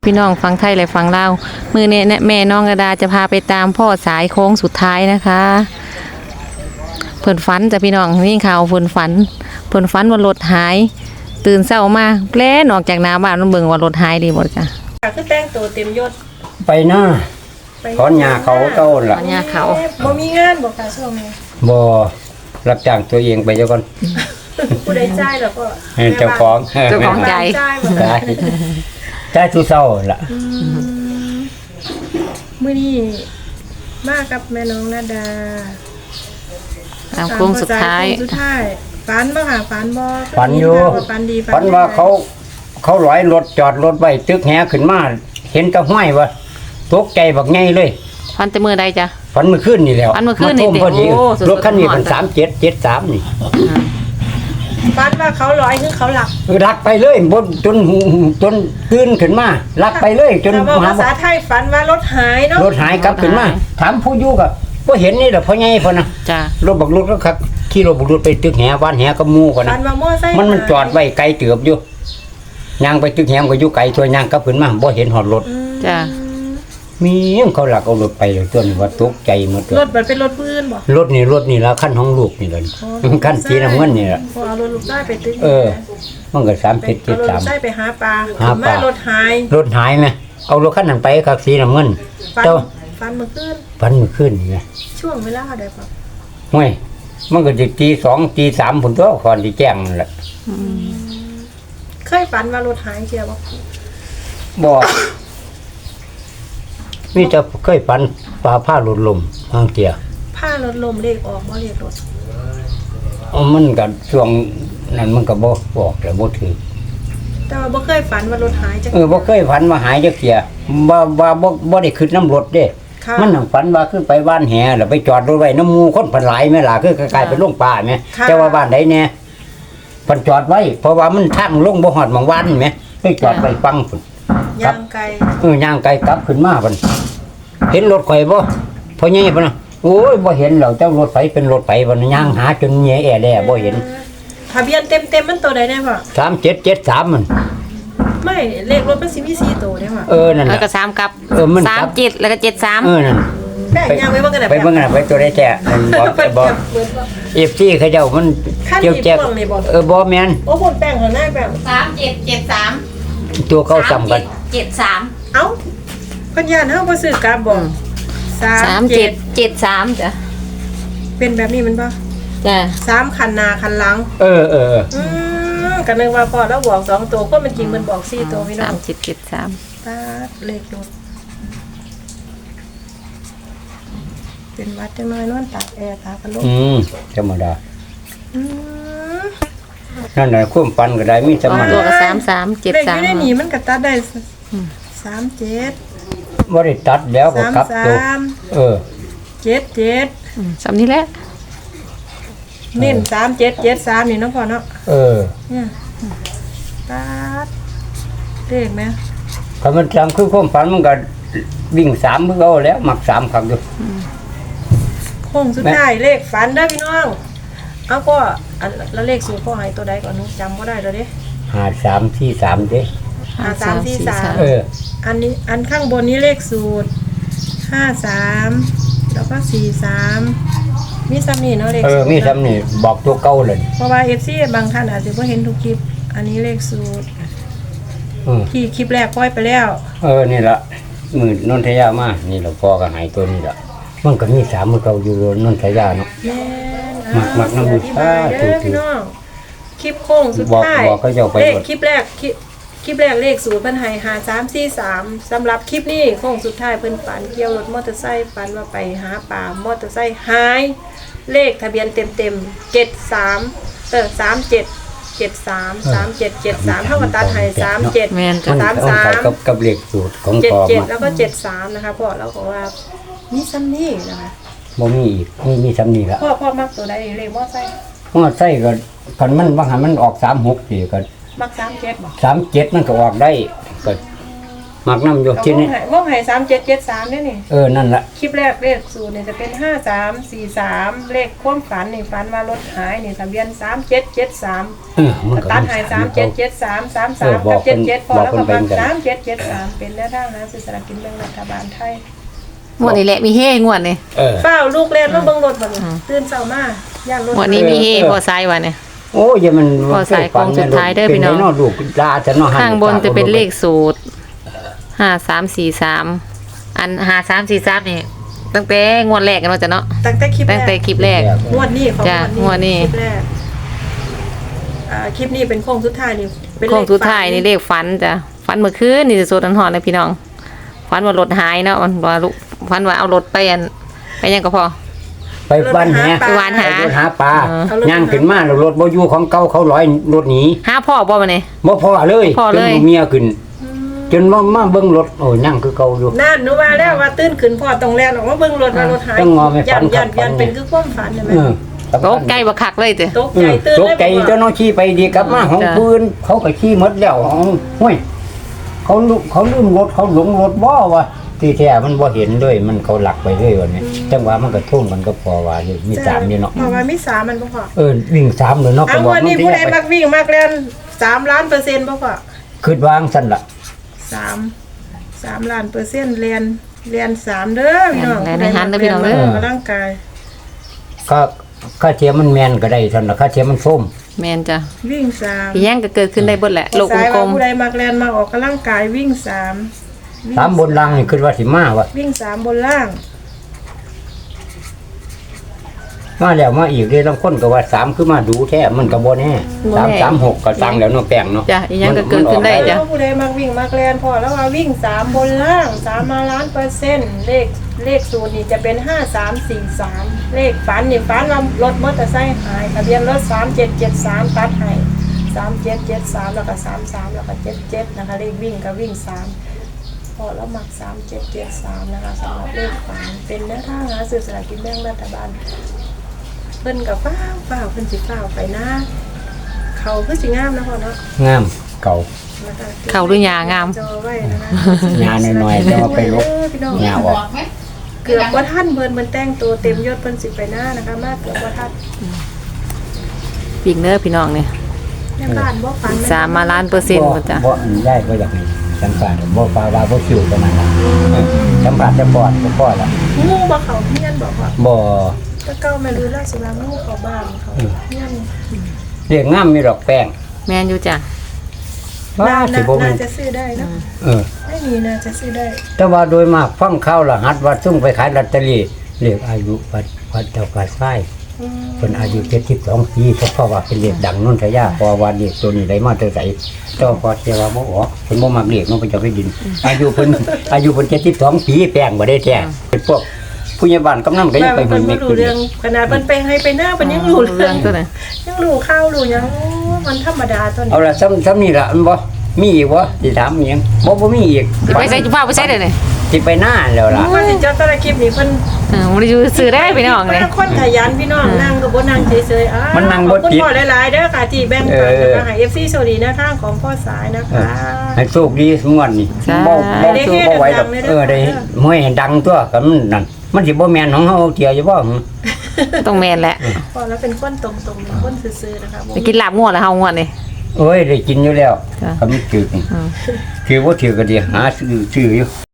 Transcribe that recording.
พี่น้องฟังไทยและฟังลาวมือเนี่ยแม่น้องกระดาจะพาไปตามพ่อสายโค้งสุดท้ายนะคะเพิ่นฝันจ้ะพี่น้องนี่ข่าวเพิ่นฝันว่ารถหายตื่นเช้ามาแปลนออกจากหน้าบ้านมันเบิ่งว่ารถหายดีบ่จ้ะคือแต่งตัวเต็มยศไปหน้าถอนหญ้าเขาเต้าล่ะถอนหญ้าเขาบ่มีงานบ่ค่ะช่วงนี้บ่รับจ้างตัวเองไปเจ้าก่อนผู้ใดจ่ายแล้วก็เจ้าของใจใจทุเศร้าล่ะมื้อนี้มากับแม่น้องนาดาตามโค้งสุดท้ายฝันบ่ค่ะฝันบ่ฝันอยู่ฝันว่าเขาลอยรถจอดรถไว้ตึกแหขึ้นมาเห็นตะห้อยว่าตกใจบักไงเลยฝันแต่มื้อใดจ้ะฝันเมื่อคืนนี่แล้วฝันเมื่อคืนนี่โอ้รถคันนี้มัน3773นี่ฝันว่าเขาลอยคือเขาหลักลักไปเลยบนจนตื่นขึ้นมาลักไปเลยจนภาษาไทยฝันว่ารถหายเนาะรถหายกลับขึ้นมาถามผู้อยู่ก็บ่เห็นนี่แหละพ่อใหญ่พ่อนะจ้ะรถบักรถก็คักขี่รถบักรถไปตึกแหบ้านแหกับหมู่ก่อนนะมันจอดไว้ไกลเตือบอยู่ย่างไปตึกแหก็อยู่ไกลตัวยางกลับขึ้นมาบ่เห็นหอดรถจ้ะมีเขาหลักเอารถไปเลยตัวนี้ว่าตกใจหมดรถมันเป็นรถปืนบ่รถนี่แล้วคันของลูกนี่เลยคันสีน้ำเงินนี่ล่ะเอารถลูกได้ไปตึกมันก็3773 ได้ไปหาปลารถหายมั้ยเอารถคันนั้นไปคักสีน้ำเงินเจ้าฝันเมื่อคืนนี่ไงช่วงเวลาใดป่ะห้วยมันก็สิตี2ตี3พุ่นตัวก่อนสิแจ้งนั่นแหละเคยฝันว่ารถหายเที่ยวบ่มีแต่เคยฝันผ้าหลุดลมบางเที่ยผ้ารถลมเลขออกบ่เลขรถมันก็ช่วงนั้นมันก็บ่บอกแล้วบ่ถือแต่ว่าบ่เคยฝันว่ารถหายจักบ่เคยฝันว่าหายจักเที่ยบ่ได้ขึ้นน้ำรถเด้มันนั่งฝันว่าคือไปบ้านแหแล้วไปจอดรถไว้น้ำหมู่คนเพิ่นหลายแม่ล่ะคือกลายเป็นโรงป่าแม่แต่ว่าบ้านใดแน่เพิ่นจอดไว้เพราะว่ามันทางลงบ่ฮอดหม่องวันแม่ไปจอดไว้ฟังพุ่นย่างไกลย่างไกลกลับขึ้นมาพุ่นเห็นรถข่อยบ่พ่อใหญ่พุ่นน่ะโอ้ยบ่เห็นแล้วเจ้ารถไฟเป็นรถไฟพุ่นย่างหาจนแย่แอแล่บ่เห็นทะเบียนเต็มมันตัวใดแน่พ่อ 3773มันไม่เลขรถมันสิมี4ตัวเด้พ่อนั่นแล้วก็3กับ37แล้วก็73 นั่นแป้งย่างไว้เบิ่งกันไปเบิ่งกันไปตัวใดแท้บ่FC เขาเจ้ามันเกี่ยวแจ๊กบ่แม่นโอ้พ่นแป้งข้างหน้าแป้ง 3773 ตัวเขาซ้ำกัน 73 เอ้าเพิ่นย่านเฮาบ่ซื้อกลับบ่ 3773จ้ะเป็นแบบนี้มันบ่จ้ะ 3คันหน้าคันหลังก็นึกว่าพอแล้วบอก2ตัวก็มันจริงมันบอก4ตัวพี่น้อง 3773 ตาเลขรถเป็นวัดจังน้อยนอนตากแอร์ตากันลงธรรมดานั่นน่ะความฝันก็ได้มีสมันตัวก็ 3373เลขอยู่ในนี้มันก็ตัดได้37 บ่ได้ตัดแล้วก็กลับตัว 77 สำนี้แหละเน้น3773นี่เนาะพ่อเนาะเนี่ยตัดเลขมั้ยถ้ามันจำคือความฝันมันก็วิ่ง3คือเอาแล้วมัก3ครั้งอยู่โค้งสุดท้ายเลขฝันเด้อพี่น้องเอาพ่อแล้วเลขสูตรพ่อให้ตัวใดก่อนหนูจำบ่ได้แล้วเด้ 5343เด้ 5343อันนี้อันข้างบนนี้เลขสูตร53แล้วก็43มีซ้ำนี่เนาะเลขมีซ้ำนี่บอกตัวเก่าเลยเพราะว่า FC บางท่านอาจจะบ่เห็นทุกคลิปอันนี้เลขสูตรที่คลิปแรกปล่อยไปแล้วนี่ล่ะมื้อนนทยามานี่ล่ะพ่อก็ให้ตัวนี้ล่ะมันก็มี3มื้อเก่าอยู่นนทยาเนาะมักน้ำบูชาพี่น้องคลิปโค้งสุดท้ายเลขคลิปแรกเลขสูตรเพิ่นให้5343สำหรับคลิปนี้โค้งสุดท้ายเพิ่นฝันเกี่ยวรถมอเตอร์ไซค์ฝันว่าไปหาปลามอเตอร์ไซค์หายเลขทะเบียนเต็ม73 3773 3773เท่ากับตัดให้37 แม่น 33 กับเลขสูตรของพ่อ 77แล้วก็73นะคะพ่อแล้วก็ว่ามีซ้ำนี่นะคะบ่มีอีกมีซ้ำนี่ละพ่อมักตัวใดเลขมอไซค์ก็คันมันบางหันมันออก36สิก็มัก37บ่ 37มันก็ออกได้ก็มักน้ำอยู่ที่นี่วงไห่3773เนี่ยนี่นั่นละคลิปแรกเลขสูตรเนี่ยจะเป็น5343เลขความฝันนี่ฝันว่ารถหายนี่ทะเบียน3773 มันก็ตัดหาย3773 33กับ77พอแล้วก็มา3773เป็นแนวทางนะสื่อสารกินแบ่งรัฐบาลไทยงวดนี้แหละมีเฮงวดนี่เฝ้าลูกเล่นมาเบิ่งรถบ่นี่ตื่นเช้ามาย่านรถงวดนี้มีเฮพอสายวันเนี่ยโอ้ยมันพอสายโค้งสุดท้ายเด้อพี่น้องเป็นไลูกลาจะเนาะข้างบนจะเป็นเลขสูตร5343อัน5343นี่ตั้งแต่งวดแรกกันว่าจะเนาะตั้งแต่คลิปตั้งแต่คลิปแรกงวดนี้ของจ้ะงวดนี้คลิปแรกคลิปนี้เป็นโค้งสุดท้ายนี่เป็นเลขโค้งสุดท้ายนี่เลขฝันจ้ะฝันเมื่อคืนนี่จะโซดันหอนเลยพี่น้องฝันว่ารถหายเนาะว่าลูกฝันว่าเอารถไปไปยังก็พอไปบ้านแหไปวานหาไปหาปลาเออย่างขึ้นมาแล้วรถบ่อยู่ของเก่าเขาร้อยรถหนีหาพ่อบ่มาเนี่ยบ่พอเลยพอเลยจนเมียขึ้น จนมาเบิ่งรถโอ้ยนั่งคือเก่าอยู่นั่นหนูว่าแล้วว่าตื่นขึ้นพ่อต้องแล่นออกมาเบิ่งรถว่ารถหายต้องงอไม่ฝัยันนยันฝันยันเป็นคือความฝันใช่ไหมโต๊ะใกล้บักคักเลยเจ้ตกใจตื่นตกเลยใจบอกว่าเจ้าน้องขี่ไปดีกลับมาห้องจ้ะปืนเขาก็ขี่หมดแล้วห้วยเขาลืมรถเขาหลงรถบ่วะที่แท้มันบ่เห็นเลยมันเขาหลักไปเลยวันนี้จังหวะมันก็ทุ่มมันก็พอว่าอยู่มีสามนี่เนาะเพราะว่ามีสามมันบ่พอวิ่งสามเลยเนาะเอาวันนี้ผู้ใดมักวิ่งมักเล่น3 ล้านเปอร์เซ็นต์บ่พอคิดวางสั่นล่ะ 3 ล้านเปอร์เซ็นต์เรียน3เด้อพี่น้องแล่นในหันเด้อพี่น้องเด้อกำลังกายก็ค่าเทียมมันแม่นก็ได้สั่นล่ะค่าเทียมมันส้มแมนจ้ะวิ่ง3 อีหยังก็เกิดขึ้นได้เบิดแหละโลกสายกลว่าม ผู้ใดมักเล่นมาออกกำลังกายวิ่ง3 สามบนล่างนี่คิดว่าสิมาวะวิ่ง3บนล่างมาแล้วมาอีกเลยบางคนก็ว่าสามคือมาดูแท้มันก็บ่แน่336ก็ตังแล้วเนาะแป้งเนาะจ้ะอีหยังก็เกิดขึ้นได้จ้ะผู้ใดมักวิ่งมักเล่นพอแล้วว่าวิ่ง3บนล่าง3มาล้านเปอร์เซ็นต์เลขสูตรนี่จะเป็น5343เลขฝันนี่ฝันว่ารถมอเตอร์ไซค์หายทะเบียนรถ3773ตัดให้3773แล้วก็33แล้วก็77นะคะเลขวิ่งก็วิ่ง3พอแล้วมัก3773นะคะสำหรับเลขฝันเป็นแนวทางหาซื้อสลากกินแบ่งรัฐบาลเพิ่นกับฟ้าวเพิ่นสิฟ้าวไปนะเขาคือสิงามนะพ่อเนาะงามเก่านะคะเขาหรือยางามจอไว้นะคะงานน้อยๆจะมาไปลบพี่น้องงาออกเกือบว่าท่านเพิ่นแต่งตัวเต็มยศเพิ่นสิไปหน้านะคะมาเกือบว่าท่านปิงเนอร์พี่น้องเนี่ยแม่บ้านบ่ฟัน 3มาล้านเปอร์เซ็นต์หมดจ้ะบ่ได้บ่อยากให้สัมภาษณ์บ่ฟ้าว่าบ่คิวประมาณนั้นสัมภาษณ์จะปอดก็พอละงูบ่เขาเฮียนบอกว่าบ่ตะเก้าแม่รู้ราชว่างูเขาบ้านเขาเฮียนเรียกงามมีดอกแป้งแมนอยู่จ้ะว่าสิบ่มีน่าจะซื้อได้เนาะ ไม่มีน่าจะซื้อได้แต่ว่าโดยมากฟังข่าวรหัสว่าซุ่งไปขายลอตเตอรี่เรียกอายุวัดเจ้าป่าไส้เพิ่นอายุ72ปีเพราะว่าเป็นเลขดังนนทยาเพราะว่าเลขตัวนี้ได้มาแต่ไสเจ้าพอเสียว่าบ่ออกเพิ่นบ่มักเลขเนาะเพิ่นจะไปดิน อายุเพิ่น72ปีแป้งบ่ได้แท้เป็นพวกผู้ใหญ่บ้านกำนันก็ยังไปเพิ่เบิ่นงบ่เม็ดรู้อยู่เรื่องขนาดเพิ่นไปให้ไปหน้าเพิ่นยังรู้เรื่องตัวไหนยังรู้ข้าวรู้หยังมันธรรมดาตัวนี้เอาล่ะซ้ำนี่ล่ะมันบ่มีอีกบ่สิถามอีหยังบ่มีอีกไปใส่จุฟ้าไปใส่เด้อเนี่ยสิไปหน้าแล้วล่ะว่าสิเจ้าตะคลิปนี่เพิ่นมันอยู่ซื้อได้พี่น้องเลยคนขยันพี่น้องนั่งก็บ่นั่งเฉยๆมันนั่งขบ่อบคุณติดพ่อหลายๆเด้อค่ะที่แบ่งปันนะคะให้ FC โชคดีนะทางของพ่อสายนะคะให้โชคดีสงวนนี่บ่สู้บ่ไหวดอกได้มวยดังตัวก็มันนั่นมันสิบ่แม่นของเฮาเที่ยวอยู่บ่ต้องแมนแหละพอแล้วเป็นคนตรงๆเป็นคนซื่อๆนะคะบ่ไปกินลาบงัวแล้วเฮางัวนี่เอ้ยได้กินอยู่แล้วจ้ะก็มันจืดนี่คือบ่ถือก็ดีหาซื้ออยู่